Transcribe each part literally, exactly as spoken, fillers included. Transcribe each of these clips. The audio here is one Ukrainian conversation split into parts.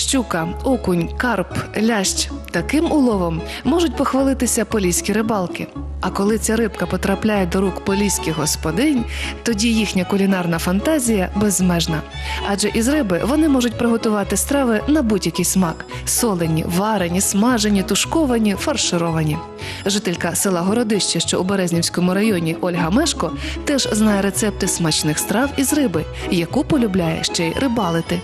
щука, окунь, карп, лящ. Таким уловом можуть похвалитися поліські рибалки. А коли ця рибка потрапляє до рук поліських господинь, тоді їхня кулінарна фантазія безмежна. Адже із риби вони можуть приготувати страви на будь-який смак – солені, варені, смажені, тушковані, фаршировані. Жителька села Городище, що у Березнівському районі, Ольга Мешко, теж знає рецепти смачних страв із риби, яку полюбляє ще й рибалити.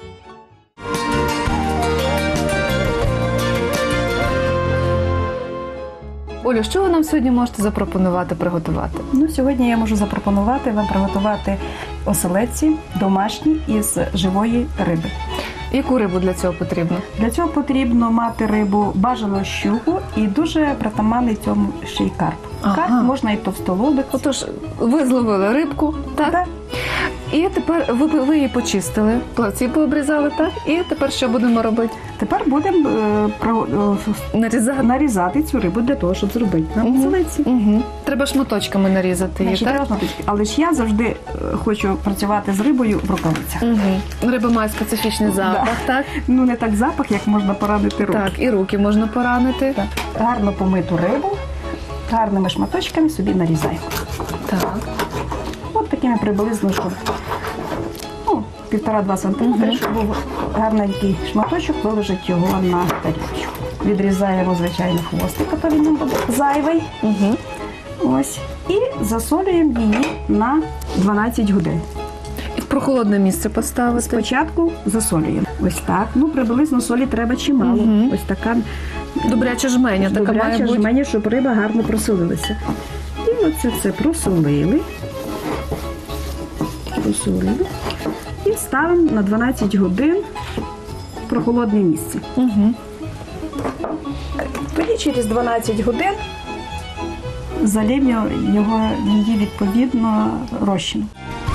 Олю, що ви нам сьогодні можете запропонувати приготувати? Ну, сьогодні я можу запропонувати вам приготувати оселедці домашні із живої риби. Яку рибу для цього потрібно? Для цього потрібно мати рибу бажано щуку і дуже притаманний цьому ще й карп. Ага. Карп можна і товстолобик. Отож, ви зловили рибку, так? Так. І тепер ви, ви її почистили, плавці пообрізали, так? І тепер що будемо робити? Тепер будемо е, про, е, Нарізати? нарізати цю рибу для того, щоб зробити нам оселедці. Угу. Треба шматочками нарізати її, Значить, так? треба шматочки. Але ж я завжди е, хочу працювати з рибою в рукавицях. Угу. Риба має специфічний запах, Да. так? Ну, не так запах, як можна поранити руки. Так, і руки можна поранити. Так. Гарно помиту рибу, гарними шматочками собі нарізаємо. Так. От такими приблизно, щоб ну, півтора-два сантиметри, Мгм. щоб був гарненький шматочок, виложити його на тарілочку. Відрізаємо, звичайно, хвостик, а то він нам буде зайвий. Угу. Ось. І засолюємо її на дванадцять годин. І в прохолодне місце поставити. Спочатку засолюємо. Ось так. Ну, приблизно солі треба чимало. Мгм. Ось така Добряча жменя така має добряча бути. жменя, щоб риба гарно просолилася. І оце все просолили. Просолили. І ставимо на дванадцять годин в прохолодне місце. Угу. Тоді через дванадцять годин залємо його, її відповідно розчином.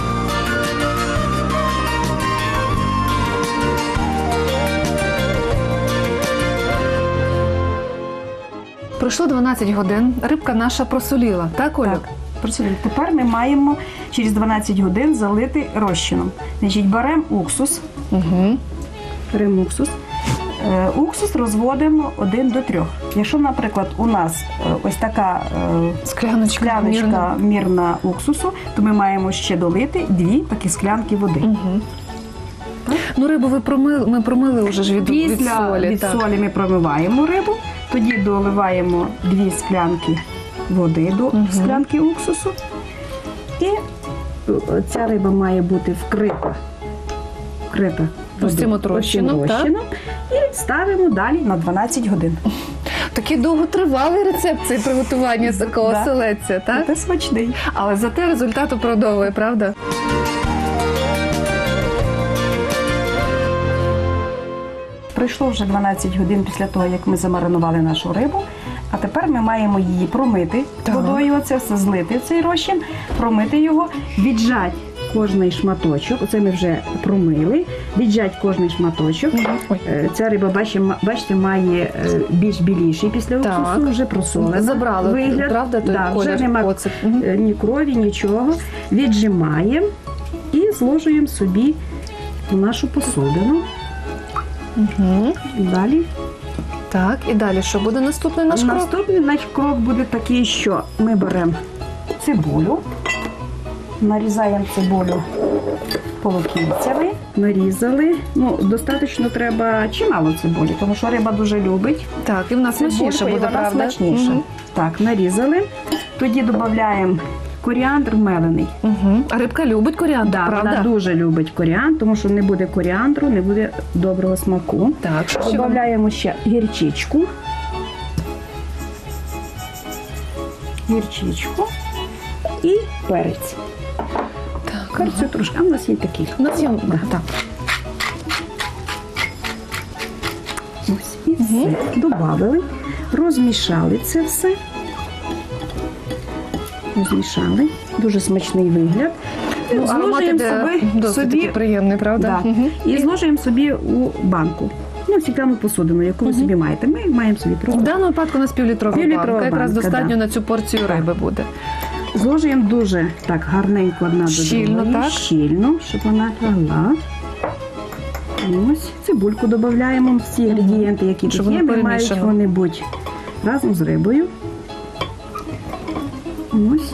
Пройшло дванадцять годин, рибка наша просоліла, так, Олю? Так, просолили. Тепер ми маємо через дванадцять годин залити розчином. Значить, беремо уксус. Угу. Беремо уксус. Е, Уксус розводимо один до трьох. Якщо, наприклад, у нас е, ось така е, Скляночка, скляночка мірна. мірна уксусу, то ми маємо ще долити дві такі склянки води. Угу. Ну, рибу ви промили, ми промили вже ж від, від Після солі. від так. солі ми промиваємо рибу, тоді доливаємо дві склянки води до Мгм. склянки уксусу. І е, ця риба має бути вкрита. Вкрита Ось цим от водою, ось цим розчином, так? розчином. І ставимо далі на дванадцять годин. Такий довготривалий рецепт цей приготування такого Да. оселедця, так? Це смачний. Але зате результат оправдовує, правда? Пройшло вже дванадцять годин після того, як ми замаринували нашу рибу, а тепер ми маємо її промити Так. водою, оце все злити в цей розчин, промити його, віджати кожний шматочок, оце ми вже промили, віджати кожний шматочок. Ой. Е, Ця риба, бачите, бачите, має е, більш біліший після Так. уксусу, вже просолена. Забрали, вигляд. правда, той Да, колір, вже нема оцет. Мгм. е, ні крові, нічого. Віджимаємо і зложуємо собі в нашу посудину. Угу. Далі. Так, і далі що буде наступний наш крок? Наступний наш крок буде такий, що ми беремо цибулю, нарізаємо цибулю полукільцями, нарізали. Ну, достатньо треба чимало цибулі, тому що риба дуже любить. Так, і в нас смачніше Цибульку, і буде, вона правда? смачніше. Угу. Так, нарізали. Тоді додаємо коріандр мелений. Угу. А рибка любить коріандр, Да, правда? вона дуже любить коріандр, тому що не буде коріандру, не буде доброго смаку. Так, що ще? Додаємо ще гірчичку. Гірчичку і перець. Так, Перцю трошки, а в нас є такий. у нас є... Да. Так. Ось і все. Добавили, розмішали це все. Розмішали. Дуже смачний вигляд. Ну, аромат Зложуємо іде собі, досить собі такий приємний, правда? Да. Угу. і зложуємо собі у банку. Ну, стеклянну посудину, яку ви Мгм. собі маєте. Ми маємо собі В просто. даному випадку у нас півлітрова Півлітрова банка. Якраз банка, достатньо да. на цю порцію риби буде. Зложуємо дуже так гарненько одна до Щільно, другої. так? Щільно, щоб вона лягла. Ось цибульку додаємо. Всі інгредієнти, які Щоб тут є, воно не мають перемішано. вони бути разом з рибою. Ось.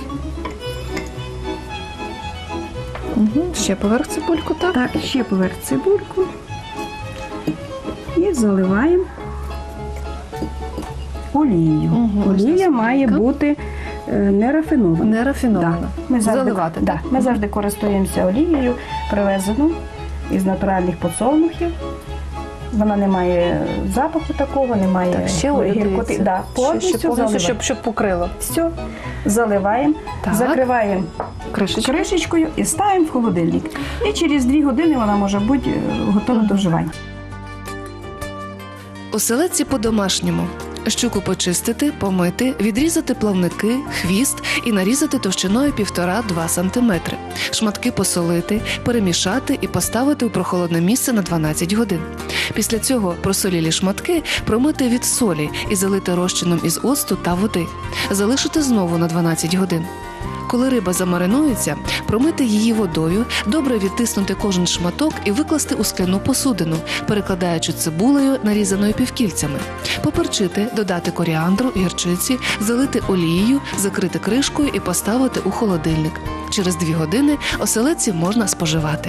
Угу. Ще поверх цибульку, так? Так, ще поверх цибульку. І заливаємо олією. Угу, ось Олія так. має бути е, не рафінована. Не рафіновано. Да. Ми завжди, Заливати. да, так? ми завжди користуємося олією, привезену із натуральних подсолнухів. Вона не має запаху такого, не має Так, ще олію гіркоти. додається. Да, Ще- ще повністю повністю, заливаємо. щоб, щоб покрило. Все, заливаємо, Так. закриваємо Кришечку. кришечкою і ставимо в холодильник. І через дві години вона може бути е, готова Мгм. до вживання. Оселедці по-домашньому. Щуку почистити, помити, відрізати плавники, хвіст і нарізати товщиною півтора-два сантиметри. Шматки посолити, перемішати і поставити у прохолодне місце на дванадцять годин. Після цього просолілі шматки промити від солі і залити розчином із оцту та води. Залишити знову на дванадцять годин. Коли риба замаринується, промити її водою, добре відтиснути кожен шматок і викласти у скляну посудину, перекладаючи цибулею, нарізаною півкільцями. Поперчити, додати коріандру, гірчиці, залити олією, закрити кришкою і поставити у холодильник. Через дві години оселедці можна споживати.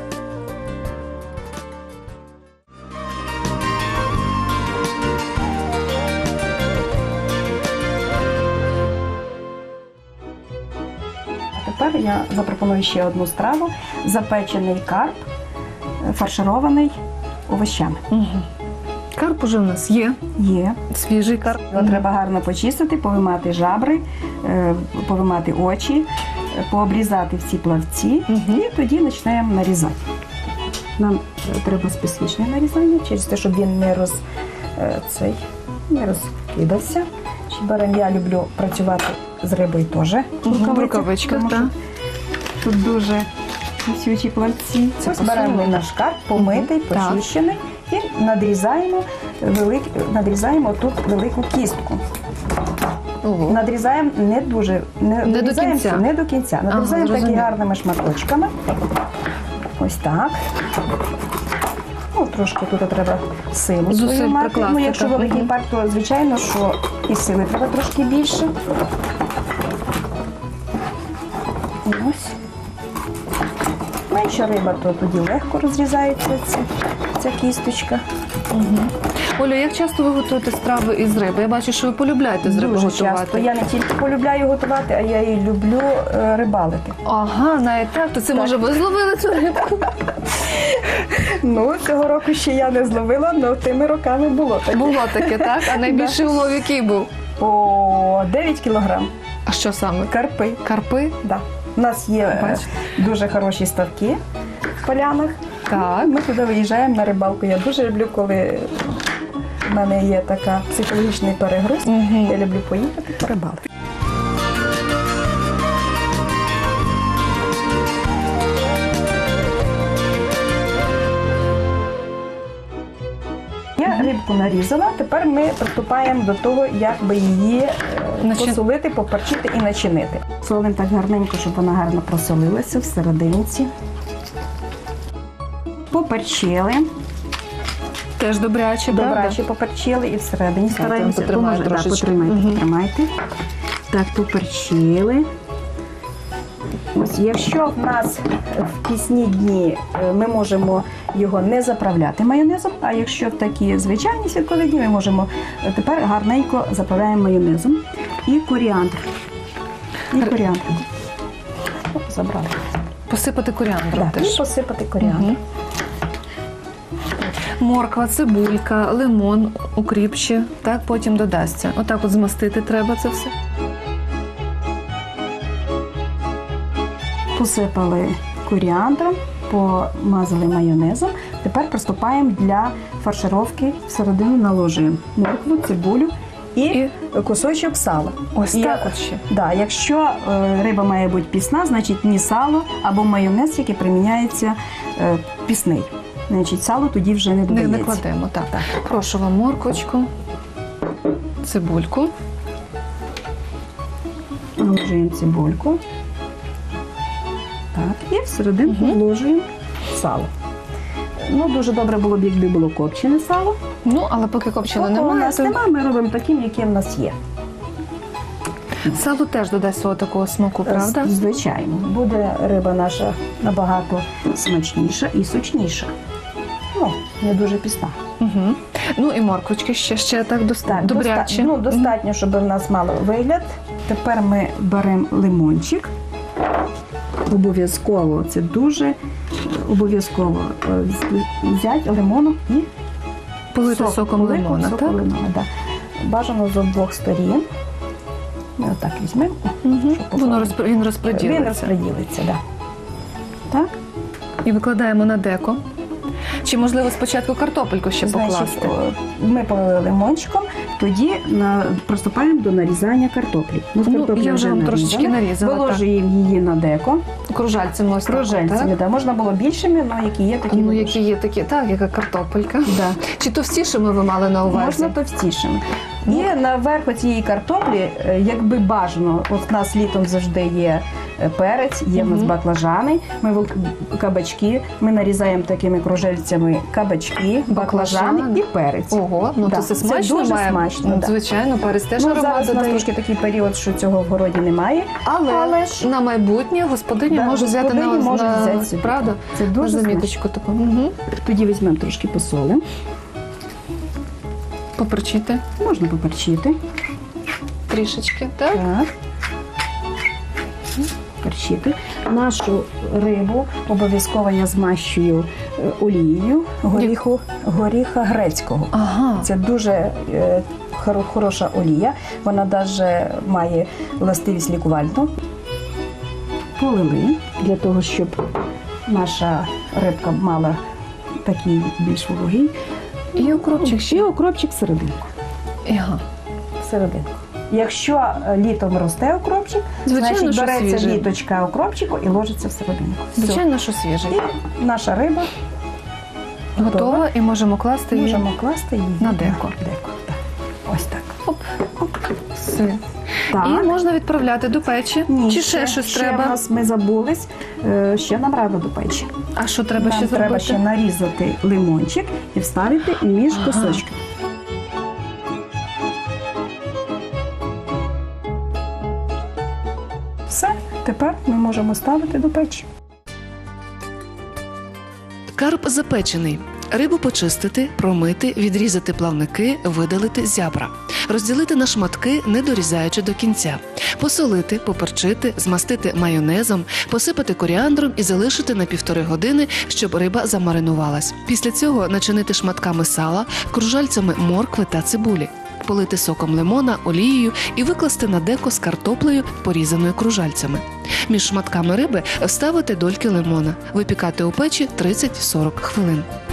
А тепер я запропоную ще одну страву – запечений карп, е, фарширований овощами. Угу. Карп уже в нас є, Є. свіжий карп. Його треба гарно почистити, повимати жабри, е, повимати очі, е, пообрізати всі плавці Мгм. і тоді починаємо нарізати. Нам е, треба специфічне нарізання, через те, щоб він не, роз, е, цей, не розкидався. Чи беремо, я люблю працювати з рибою теж. Мгм, в рукавичках, тому що так. тут дуже кусючі плавці. Це Ось беремо посолене. наш карп, помитий, Мгм. Так. почищений і надрізаємо, велик, надрізаємо тут велику кістку. Ого. Надрізаємо не дуже, не, Не до надрізаємо кінця? всю, не до кінця. Надрізаємо такі зрозуміло. гарними шматочками. Ось так. Ну, трошки тут треба силу Зусиль свою мати. прикласти, Ну, якщо так. великий Мгм. парк, то звичайно, що і сили треба трошки більше. І ось. Менша риба, то тоді легко розрізається ця, ця кісточка. Мгм. Олю, як часто ви готуєте страви із риби? Я бачу, що ви полюбляєте з риби Дуже готувати. часто. Я не тільки полюбляю готувати, а я і люблю е, рибалити. Ага, навіть так, то це Так. може ви зловили цю рибку? Ну, цього року ще я не зловила, але тими роками було таке. Було таке, так? А найбільший улов який був? По дев'ять кілограм. А що саме? Карпи. Карпи? Да. У нас є е, Бачите. дуже хороші ставки в полянах. Так. Ми туди виїжджаємо на рибалку. Я дуже люблю, коли в мене є така психологічний перегруз. Мгм. Я люблю поїхати порибалити. Я рибку нарізала, тепер ми приступаємо до того, як би її е, Начи- посолити, поперчити і начинити. Солимо так гарненько, щоб вона гарно просолилася всерединці. Поперчили, Теж добряче, правда? добряче поперчили і всередині стараємося. потримаю Поможе- да, трошечки. потримайте, Мгм. потримайте. Так, поперчили. Ось, якщо в нас в пісні дні е, ми можемо його не заправляти майонезом, а якщо в такі звичайні святкові дні, ми можемо е, тепер гарненько заправляємо майонезом і коріандр. І коріандр. Оп, забрали. Посипати коріандром Так, і теж. посипати коріандр. Мгм. Морква, цибулька, лимон, укріп ще, так потім додасться. Отак от змастити треба це все. Посипали коріандром, помазали майонезом. Тепер приступаємо для фаршировки. Всередину наложуємо моркву, цибулю і, І? кусочок сала. Ось І так я- от ще. Да, якщо е, риба має бути пісна, значить ні сало або майонез, який приміняється е, пісний. Значить, сало тоді вже не Не, додається. не кладемо, так. Прошу вам морквочку, цибульку. Наложуємо цибульку. Так, і всерединку Мгм. вложуємо сало. Ну, дуже добре було б, якби було копчене сало. Ну, але поки копчено Поки у немає, нас то немає, ми робимо таким, яким в нас є. сало теж додасть свого такого смаку, правда? Звичайно. Буде риба наша набагато смачніша і сочніша. Ну, не дуже пісна. Угу. Ну і морквочки ще, ще так доста... Так, добряче. доста- ну, достатньо, щоб в нас мало вигляд. Тепер ми беремо лимончик. Обов'язково, це дуже обов'язково е, з- взяти лимоном і Полити сок, соком полити лимона, соком так? лимона, да. Бажано з обох сторін. Ми отак візьмемо. Угу. щоб Воно попало. розпро... він Він розподілиться. розподілиться, да. Так. І викладаємо на деко. Чи, можливо, спочатку картопельку ще Значить, покласти? о, ми полили лимончиком, тоді на, приступаємо до нарізання картоплі. Ми з Ну, картоплі я вже вам трошечки нарізала, так. Виложуємо її на деко. Кружальцями ось так, Кружельцями, так? да. Можна було більшими, але які є, такі Ну, виложимо. які є такі, так, яка картопелька. Да. Чи товстішими ви мали на увазі? Можна товстішими. І наверху цієї картоплі, е, якби бажано, от в нас літом завжди є е, перець, є в нас Мгм. баклажани, ми вил- кабачки, ми нарізаємо такими кружельцями кабачки, баклажани Баклажани. і перець. Ого, ну Да, то це це смачно дуже має. смачно, Ну, да. звичайно, перець теж Ну, аромат зараз у нас додає. трошки такий період, що цього в городі немає. Але, Але ж- на майбутнє господиня Да, може взяти на, господині можуть на взяти собі. правда? Це На дуже смачно. заміточку таку. Угу. Тоді візьмемо трошки посолимо. Поперчити Можна поперчити. трішечки, так? Так. Перчити. Нашу рибу обов'язково я змащую е, олією горіху, горіха грецького. Ага. Це дуже е, хоро- хороша олія. Вона навіть має властивість лікувальну. Полили для того, щоб наша рибка мала такий більш вологий. І укропчик ще. І окропчик всерединку. Ага. Всерединку. Якщо е, літом росте окропчик, Звичайно, значить що береться свіжий. літочка окропчику і ложиться всерединку. Все. Звичайно, що свіжий. І наша риба Готова і можемо класти її. можемо класти її на деко. деко. Так. Ось так. Оп. Все. Так. І можна відправляти до печі. Ні, Чи ще щось ще треба? в нас ми забулись. Е, Ще нам рано до печі. А що треба Нам ще треба зробити? ще нарізати лимончик і вставити між Ага. кусочками. Все, тепер ми можемо ставити до печі. Карп запечений. Рибу почистити, промити, відрізати плавники, видалити зябра. Розділити на шматки, не дорізаючи до кінця. Посолити, поперчити, змастити майонезом, посипати коріандром і залишити на півтори години, щоб риба замаринувалась. Після цього начинити шматками сала, кружальцями моркви та цибулі. Полити соком лимона, олією і викласти на деко з картоплею, порізаною кружальцями. Між шматками риби вставити дольки лимона. Випікати у печі тридцять-сорок хвилин.